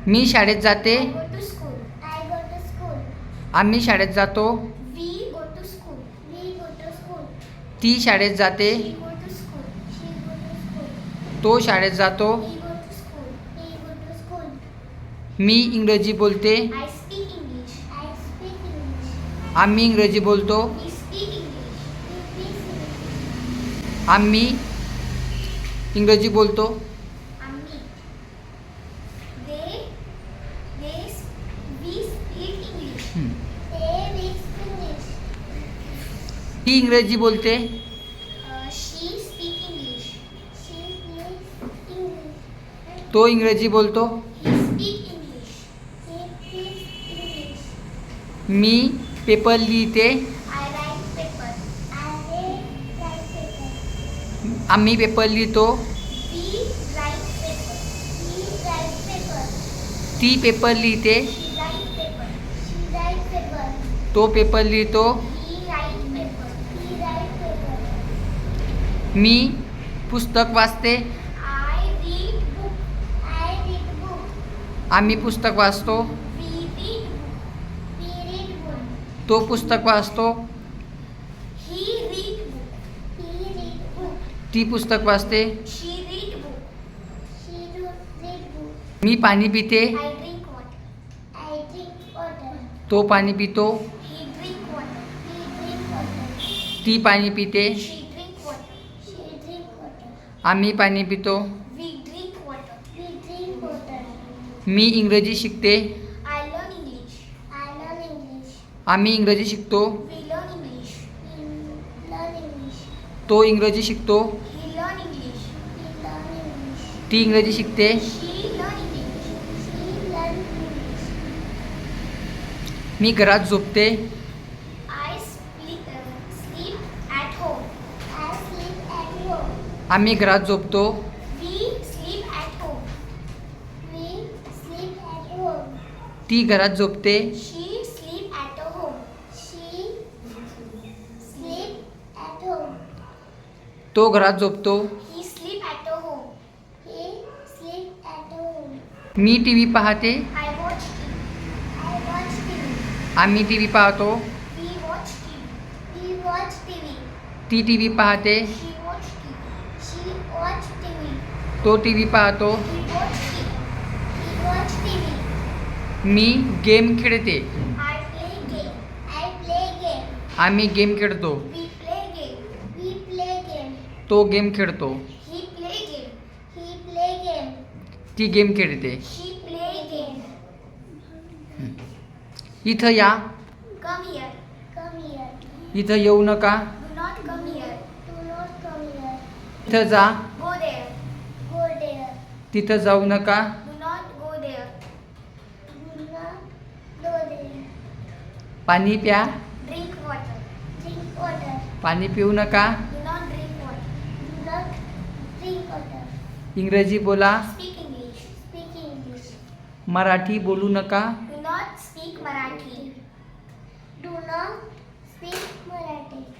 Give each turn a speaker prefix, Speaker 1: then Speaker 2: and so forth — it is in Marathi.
Speaker 1: मी शाळेत जाते.
Speaker 2: I go to school. I go to school.
Speaker 1: आम्ही शाळेत जातो.
Speaker 2: We go to school. We go to school.
Speaker 1: ती शाळेत जाते.
Speaker 2: She go to school. She go to school.
Speaker 1: तो शाळेत जातो.
Speaker 2: He go to school. He go to school.
Speaker 1: मी इंग्रजी बोलते.
Speaker 2: I speak English. I speak English.
Speaker 1: आम्ही इंग्रजी बोलतो.
Speaker 2: We speak English. We speak English.
Speaker 1: आम्ही इंग्रजी बोलतो.
Speaker 2: आम्ही. They we speak English. They we speak English.
Speaker 1: ती इंग्रजी बोलते.
Speaker 2: She speak English. She speaks English.
Speaker 1: तो इंग्रजी बोलतो.
Speaker 2: He speak English. He speaks English.
Speaker 1: मी पेपर लिहिते.
Speaker 2: I write paper. I write paper.
Speaker 1: आम्ही पेपर लिहितो.
Speaker 2: We write paper. We write paper.
Speaker 1: ती पेपर लिहिते.
Speaker 2: She write paper. She write paper.
Speaker 1: तो पेपर लिहितो.
Speaker 2: He write paper. He write paper.
Speaker 1: मी पुस्तक वाचते.
Speaker 2: I read book. I read book.
Speaker 1: आम्ही पुस्तक वाचतो.
Speaker 2: We read book. We read book.
Speaker 1: तो पुस्तक वाचतो.
Speaker 2: He read book. He read book.
Speaker 1: ती पुस्तक वाचते.
Speaker 2: She read book. She read book.
Speaker 1: मी पाणी पिते.
Speaker 2: I drink water. I drink water.
Speaker 1: तो पाणी पितो.
Speaker 2: He drink water. He drink water.
Speaker 1: ती पाणी पिते.
Speaker 2: She drink water. She drink water.
Speaker 1: आम्ही पाणी पितो.
Speaker 2: We drink water. We drink water.
Speaker 1: मी इंग्रजी शिकते.
Speaker 2: I learn English. I learn English.
Speaker 1: आम्ही इंग्रजी शिकतो.
Speaker 2: We learn English. We learn English.
Speaker 1: तो इंग्रजी शिकतो.
Speaker 2: He learn English. He learn English.
Speaker 1: ती इंग्रजी शिकते.
Speaker 2: She learn English. She learn English.
Speaker 1: मी घरात झोपते.
Speaker 2: I sleep at home. I sleep at home.
Speaker 1: आम्ही घरात झोपतो.
Speaker 2: We sleep at home. We sleep at home.
Speaker 1: ती घरात झोपते.
Speaker 2: She sleep at home. She sleep at home.
Speaker 1: तो घरात झोपतो.
Speaker 2: He sleep at home. He sleep at home.
Speaker 1: मी टी व्ही पाहते.
Speaker 2: I watch TV. I watch TV.
Speaker 1: आम्ही टी व्ही पाहतो.
Speaker 2: We watch TV. We watch TV.
Speaker 1: ती टी व्ही पाहते.
Speaker 2: She watch TV. She watch TV.
Speaker 1: तो टी व्ही पाहतो.
Speaker 2: He watch TV. He watch TV.
Speaker 1: मी गेम खेळते.
Speaker 2: I play game. I play game.
Speaker 1: आम्ही गेम खेळतो.
Speaker 2: We play game. We play game.
Speaker 1: तो गेम खेळतो.
Speaker 2: He play game. He play game.
Speaker 1: ती गेम खेळते.
Speaker 2: She play game.
Speaker 1: इथं या.
Speaker 2: Come here. Come here.
Speaker 1: इथं येऊ नका.
Speaker 2: Do not come here. Do not come here.
Speaker 1: इथं जा.
Speaker 2: Go there. Go there.
Speaker 1: तिथं जाऊ नका.
Speaker 2: Do not go there. Do not go there.
Speaker 1: पाणी प्या.
Speaker 2: Drink water. Drink water.
Speaker 1: पाणी पिऊ नका.
Speaker 2: Do not drink water. Do not drink water.
Speaker 1: इंग्रजी बोला.
Speaker 2: Speak English. Speak English.
Speaker 1: Marathi बोलू नका.
Speaker 2: Do not speak Marathi. Do not speak Marathi.